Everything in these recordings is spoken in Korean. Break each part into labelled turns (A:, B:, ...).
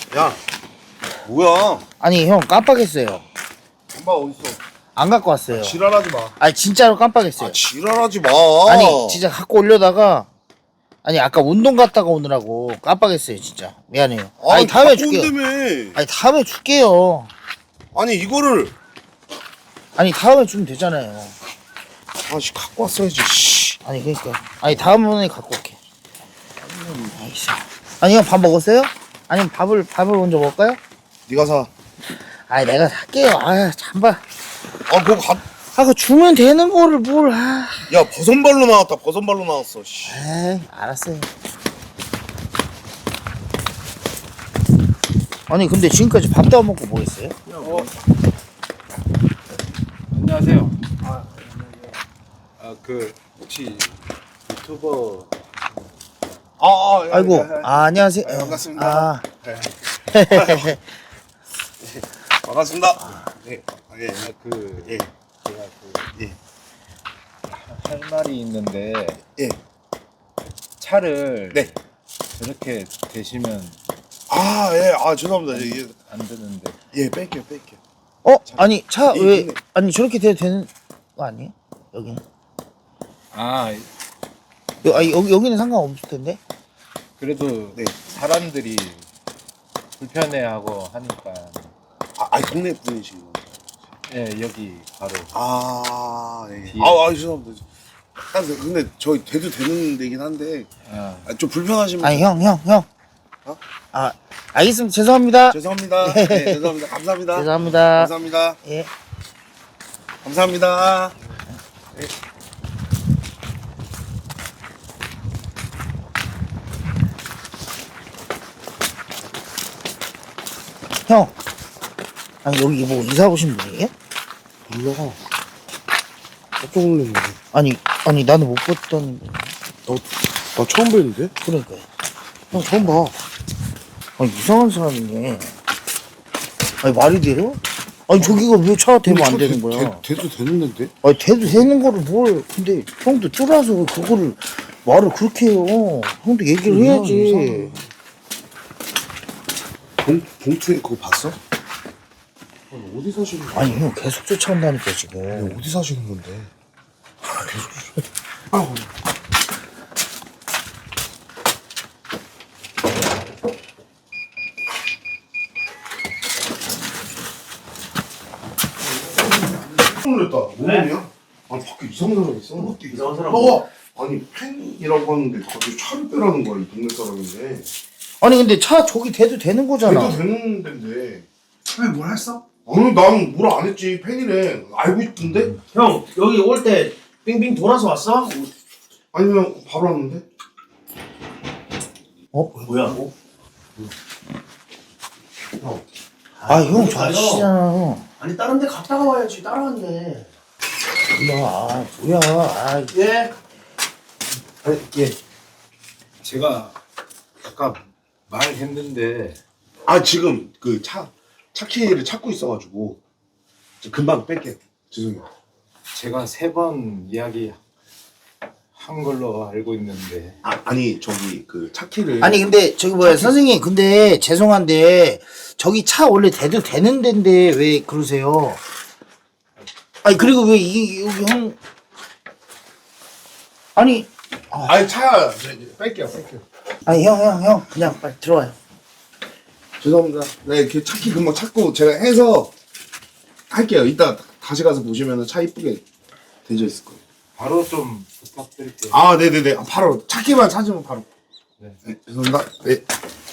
A: 야, 뭐야?
B: 아니 형 깜빡했어요.
A: 엄마 어딨어?
B: 안 갖고 왔어요.
A: 지랄하지 마.
B: 아니 진짜로 깜빡했어요.
A: 지랄하지 마.
B: 아니 진짜 갖고 오려다가 아니 아까 운동 갔다가 오느라고 깜빡했어요 진짜. 미안해요. 아니 다음에 줄게요.
A: 온다며.
B: 아니 다음에 줄게요.
A: 아니 이거를
B: 아니 다음에 주면 되잖아요.
A: 아씨 갖고 왔어야지. 씨.
B: 아니 그러니까 아니 다음번에 갖고 올게. 알겠어. 아니 형 밥 먹었어요? 아니면 밥을 먼저 먹을까요?
A: 네가 사.
B: 아니 내가 살게요. 아 잠깐.
A: 그거
B: 그거 주면 되는 거를 뭘. 아.
A: 야 버선발로 나왔다. 버선발로 나왔어. 씨.
B: 에이 알았어요. 아니 근데 지금까지 밥도 안 먹고 뭐 했어요?
C: 안녕하세요. 혹시 유튜버
B: 아이고 안녕하세요.
A: 반갑습니다. 반갑습니다. 네. 예. 예.
C: 제가
A: 예.
C: 할 말이 있는데
A: 예.
C: 차를
A: 네.
C: 저렇게 대시면
A: 예. 죄송합니다. 예.
C: 안 되는데.
A: 예, 뺄게요.
B: 아니 차
A: 이-
B: 왜
A: 이네.
B: 아니 저렇게 돼도 되는 거 아니에요? 여기는 여기는 상관없을 텐데.
C: 그래도
A: 네.
C: 사람들이 불편해하고 하니까
A: 동네 분이시구나.
C: 여기 바로
A: 예.
C: 뒤에.
A: 죄송합니다. 근데 저희 돼도 되는 데긴 한데 좀 불편하시면
B: 아니 형.
A: 어?
B: 알겠습니다. 죄송합니다.
A: 죄송합니다. 네, 죄송합니다. 감사합니다.
B: 죄송합니다.
A: 감사합니다.
B: 예.
A: 감사합니다.
B: 형. 아니 여기 뭐 이사 오신 분이에요?
A: 몰라. 깜짝 놀랐는데.
B: 아니 나는 못 봤던.
A: 나 처음 뵀는데?
B: 그러니까요. 형 처음 봐. 아니 이상한 사람이네. 아니 말이 돼요? 아니 저기가 왜 차가 되면 안 되는 거야?
A: 돼도 되는 데인데?
B: 아니 돼도 되는 거를 뭘? 근데 형도 쫄아서 그거를 말을 그렇게 해요. 형도 얘기를 해야지.
A: 봉투에 그거 봤어? 어디 사시는 거야?
B: 아니 형 계속 쫓아온다니까 지금.
A: 어디 사시는 건데? 놀랬다. 뭔 일이야? 아니 밖에 이상한 사람 있어.
D: 이상한 사람
A: 아니 팬이라고 하는데 갑자기 차를 빼라는 거야 이 동네 사람인데.
B: 아니 근데 차 저기 돼도 되는 거잖아.
A: 돼도 되는 데인데.
D: 왜 뭘 했어?
A: 아니 난 뭘 안 했지. 팬이래. 알고 있던데?
D: 형 여기 올 때 빙빙 돌아서 왔어?
A: 아니 그냥 바로 왔는데?
D: 뭐야?
B: 형 좌시잖아 형.
D: 아니 다른 데 갔다가 와야지 따라왔네.
B: 몰라. 뭐야.
D: 예?
C: 예. 제가 아까 말했는데
A: 지금 그 차 키를 찾고 있어가지고 금방 뺄게요. 죄송해요.
C: 제가 3번 이야기 한 걸로 알고 있는데
A: 아니 저기 그 차 키를
B: 아니 근데 저기 뭐야 선생님 근데 죄송한데 저기 차 원래 돼도 되는 데인데 왜 그러세요? 아니 그리고 왜 이게 여기 형 아니
A: 차 뺄게요.
B: 아니 형 그냥 빨리 들어와요.
A: 죄송합니다. 네, 이렇게 차 키 금방 찾고 제가 해서 할게요. 이따 다시 가서 보시면 차 이쁘게 되어 있을 거예요.
C: 바로 좀 부탁드릴게요.
A: 네네네. 바로 차 키만 찾으면 바로.
C: 네.
A: 네, 죄송합니다. 네.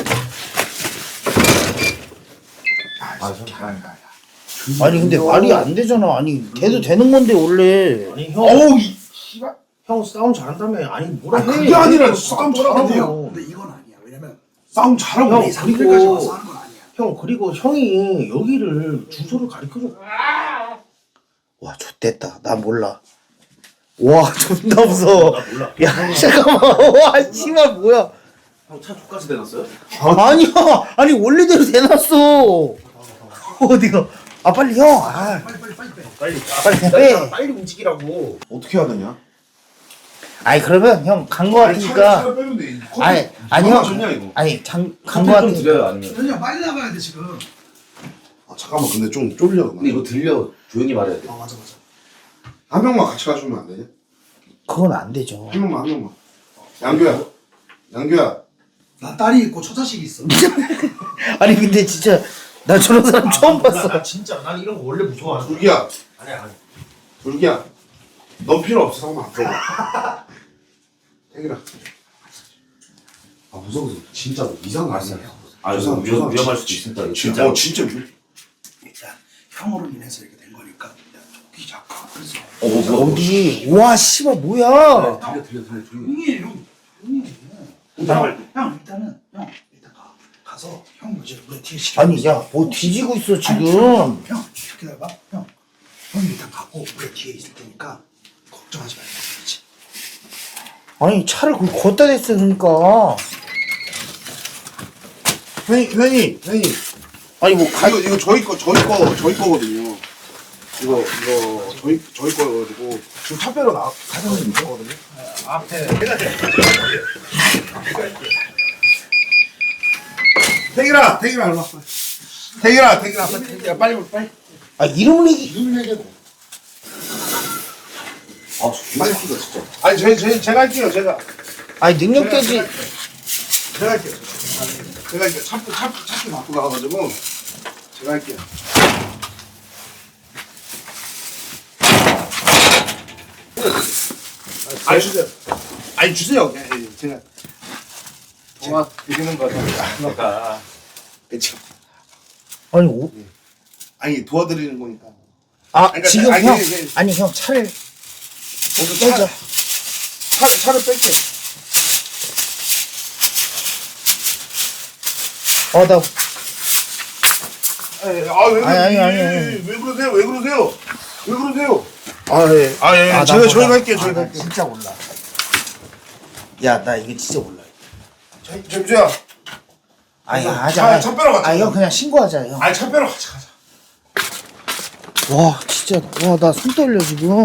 B: 아니 근데 말이 안 되잖아. 아니 돼도 되는 건데 원래.
D: 아니 형,
A: 어우 이 씨발.
D: 형 싸움 잘한다며. 아니 뭐라 해?
A: 그게 아니라 싸움 잘하고.
D: 근데 이건 아니야. 왜냐면
A: 싸움 잘하고.
D: 형
A: 우리까지
D: 그리고
A: 와서 하는 건 아니야.
D: 형 그리고 형이 여기를 주소를 가르쳐줘.
B: 와 좆됐다. 나 몰라. 와 존나 무서워.
D: 나 몰라.
B: 야 잠깐만. 와 씨발 뭐야.
D: 형 차 주가스 대놨어요?
B: 아니야. 아니 원래대로 대놨어. 어디가? 빨리 형.
D: 빨리
B: 빨리
D: 빨리
B: 빼.
D: 빨리 움직이라고.
A: 어떻게 해야 되냐?
B: 아니 그러면 형 간 거 같으니까.
A: 차를 빼면 돼.
B: 아니 형.
A: 좋냐 이거?
B: 아니 간 거 같으니까.
E: 아니면.
D: 현이야 빨리 나가야 돼 지금.
A: 아, 잠깐만 근데 좀 쫄려.
E: 근데 이거 들려. 조용히 말해야 돼.
D: 맞아.
A: 한 명만 같이 가주면 안 되냐?
B: 그건 안 되죠.
A: 한 명만. 양규야.
D: 나 딸이 있고 처자식이 있어.
B: 아니 근데 진짜 나 저런 사람 처음 봤어.
D: 나 진짜 난 이런 거 원래 무서워하는.
A: 둘기야.
D: 아니야.
A: 둘기야. 넌 필요 없어. 상관 앞으로. 태기라. 아 무서워서 진짜 이상한 거 아니야.
E: 아, 이거 위험할 수도 있으니까.
A: 진짜. 진짜.
D: 일단 형으로 인해서 이렇게 된 거니까 좋기 작가 그래서.
B: 어디? 와 씨발 뭐야?
E: 들려.
D: 형이 형 일단은 형 일단 가서 형 이제 우리 뒤에 시켜.
B: 아니 야 뭐 뒤지고 있어 지금.
D: 형 이렇게 해봐. 형이 일단 가고 우리 뒤에 있을 테니까 걱정하지 말고 그렇지.
B: 아니 차를 그 걷다 댔어 그러니까.
A: 회의.
B: 아니 뭐
A: 이거 저희 거거든요. 이거 저희 거여가지고 지금 차 빼러 가자는 거거든요.
D: 앞에
A: 태기라 일로 와. 태기라 빨리.
B: 아 이름을 얘기.
E: 아,
A: 빨리 쓰자 진짜. 아니 제가 할게요 제가.
B: 아니 능력 깨지.
A: 제가 할게요. 제가 이제 차표 갖고 나가가지고 제가 할게요. 아니 주세요. 제가
C: 도와드리는 거잖아.
A: 그쵸.
B: 아니
A: 도와드리는 거니까.
B: 아
A: 그러니까
B: 지금
A: 아니,
B: 형
A: 아니,
B: 아니 형 차를 빼자.
A: 차를 뺄게.
B: 나
A: 아니. 왜 그러세요?
B: 나
A: 저희가 할게요.
B: 나 진짜 몰라. 야 나 이거 진짜 몰라.
A: 점주야.
B: 아니
A: 차 빼러 가자.
B: 형 그냥 신고하자 형.
A: 아니 차 빼러 가자.
B: 와 진짜 나 손 떨려 지금.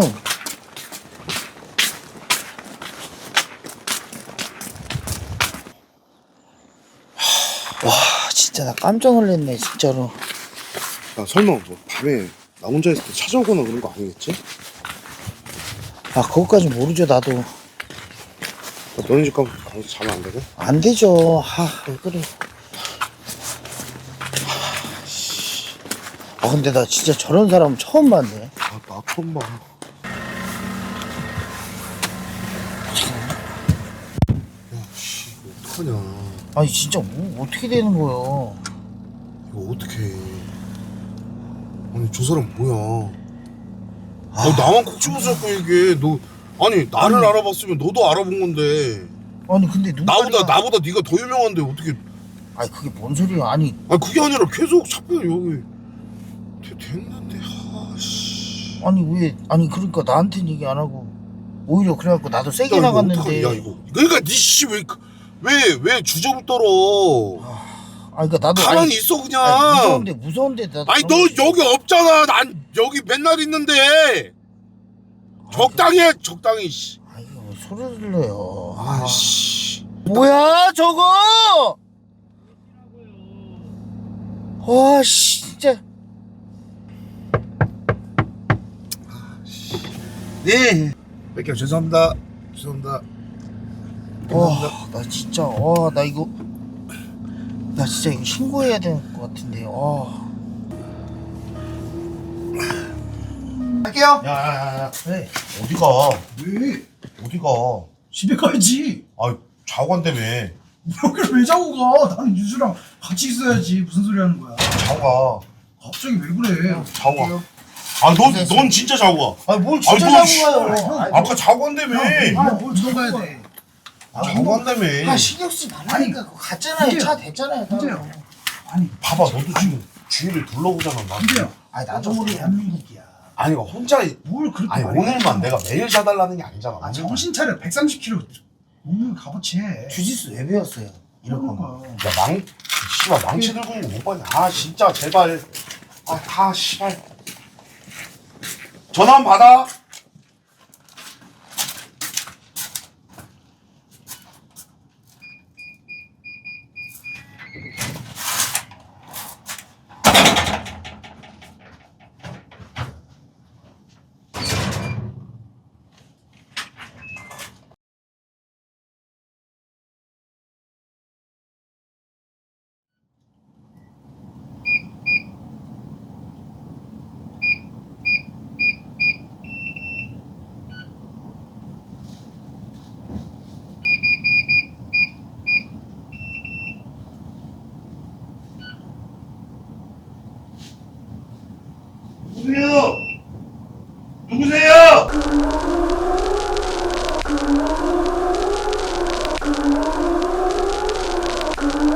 B: 와 진짜 나 깜짝 놀랐네 진짜로.
A: 야 설마 뭐 밤에 나 혼자 있을 때 찾아오거나 그런 거 아니겠지?
B: 아 그것까지 모르죠 나도.
A: 나 너네 집 가서 자면 안 되게?
B: 안 되죠. 왜 그래. 근데 나 진짜 저런 사람 처음 봤네.
A: 나 처음 봐. 야씨 어떡하냐.
B: 아니 진짜 뭐 어떻게 되는 거예요?
A: 이거 어떡해. 아니 저 사람 뭐야. 나만 콕 집어잡고 얘기해. 너 아니 나를 알아봤으면 너도 알아본 건데.
B: 아니 근데 눈깔이가...
A: 나보다 네가 더 유명한데 어떻게.
B: 아니 그게 뭔 소리야. 아니
A: 그게 아니라 계속 자꾸 여기 됐는데.
B: 아니 왜 아니 그러니까 나한테는 얘기 안 하고 오히려 그래갖고 나도 세게 나갔는데.
A: 야 이거 그러니까 니씨 왜 주접을 떨어.
B: 그러니까 나도
A: 가만히 있어 그냥.
B: 무서운데 나도.
A: 아니 너 여기 없잖아. 난 여기 맨날 있는데. 적당히 해 적당히. 씨.
B: 아니 왜 소리를 들려요.
A: 아씨.
B: 뭐야 저거. 씨 진짜.
A: 네. 뺄게요. 죄송합니다.
B: 나 진짜 나 진짜 이거 신고해야 될 것 같은데.
A: 할게요.
E: 야야야야.
B: 왜?
E: 어디가?
D: 왜?
E: 어디가?
D: 집에 가야지.
E: 아, 자고 간다며.
D: 여기를 왜 자고 가? 나는 유주랑 같이 있어야지. 무슨 소리 하는 거야?
E: 자고 가.
D: 갑자기 왜 그래?
E: 자고 가. 넌 진짜 자고 가.
B: 뭘 진짜
E: 너
B: 자고 가요.
E: 아까 자고 간다며.
D: 뭘 들어가야 돼?
E: 자고 간다며.
B: 신경 쓰지 말라니까. 그거 갔잖아요.
D: 근데요.
B: 차 됐잖아요.
D: 근데요. 아니
E: 봐봐, 너도 지금 주위를 둘러보잖아. 나.
D: 근데요.
B: 아니 나도
D: 우리 대한민국이야.
E: 아니, 혼자.
D: 뭘 그렇게
E: 아니,
D: 말해?
E: 오늘만 내가 매일 자달라는 게 아니잖아.
D: 정신 차려. 130kg 몸을 값어치 해.
B: 주짓수 왜 배웠어요? 이럴
D: 그런
B: 거면.
D: 거야.
E: 씨발, 망치 들고 있는 거 못 봤냐? 진짜, 제발. 씨발. 전화 한번 받아.
A: 아